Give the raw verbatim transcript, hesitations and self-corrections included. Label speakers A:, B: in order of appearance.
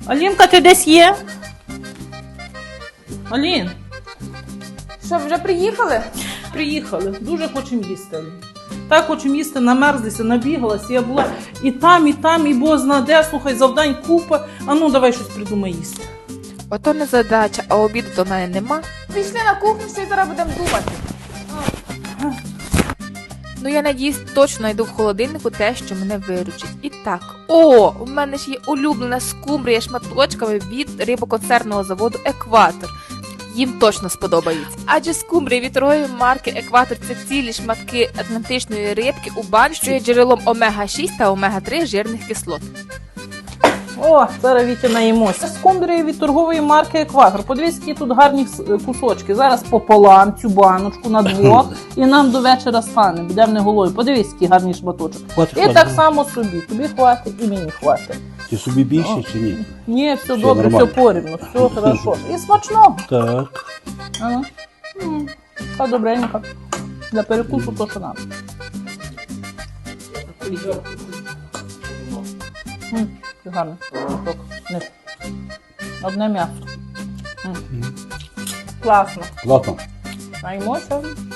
A: Алінка, ти десь є? Алін,
B: Що, вже приїхали?
A: приїхали. Дуже хочемо їсти. Так хочемо їсти, намерзлися, набігалася. Я була і там, і там, і бозна де. Слухай, завдань купа. А ну, давай щось придумай їсти.
C: Ото не задача, а обіду до мене нема.
B: Пішли на кухню, все і зараз будемо думати.
C: Ну я надіюсь, точно знайду в холодильнику те, що мене виручить. І так, о, у мене ж є улюблена скумбрія шматочками від рибоконцерного заводу «Екватор». Їм точно сподобається. Адже скумбрія від торгової марки «Екватор» – це цілі шматки атлантичної рибки у банці, що є джерелом омега шість та омега три жирних кислот.
A: О, зараз Вітя наїмося. Скумбрія від торгової марки «Екватор». Подивись, які тут гарні кусочки. Зараз пополам цю баночку на двох і нам до вечора стане. Будемо не голою. Подивись, який гарний шматочок.
D: Хватить,
A: І
D: хватить.
A: так само собі. Тобі хватить і мені хватить.
D: Ти собі більше чи ні?
A: Ні, все,
D: Все
A: добре,
D: нормально.
A: все порівну, все хорошо. І смачного.
D: Так.
A: Ага. М, Та добренько. Для перекусу то, що нам. М, Гарний. Кусок. Низ. Одне м'ясо. М. Класно.
D: Ладно.
A: Наймося.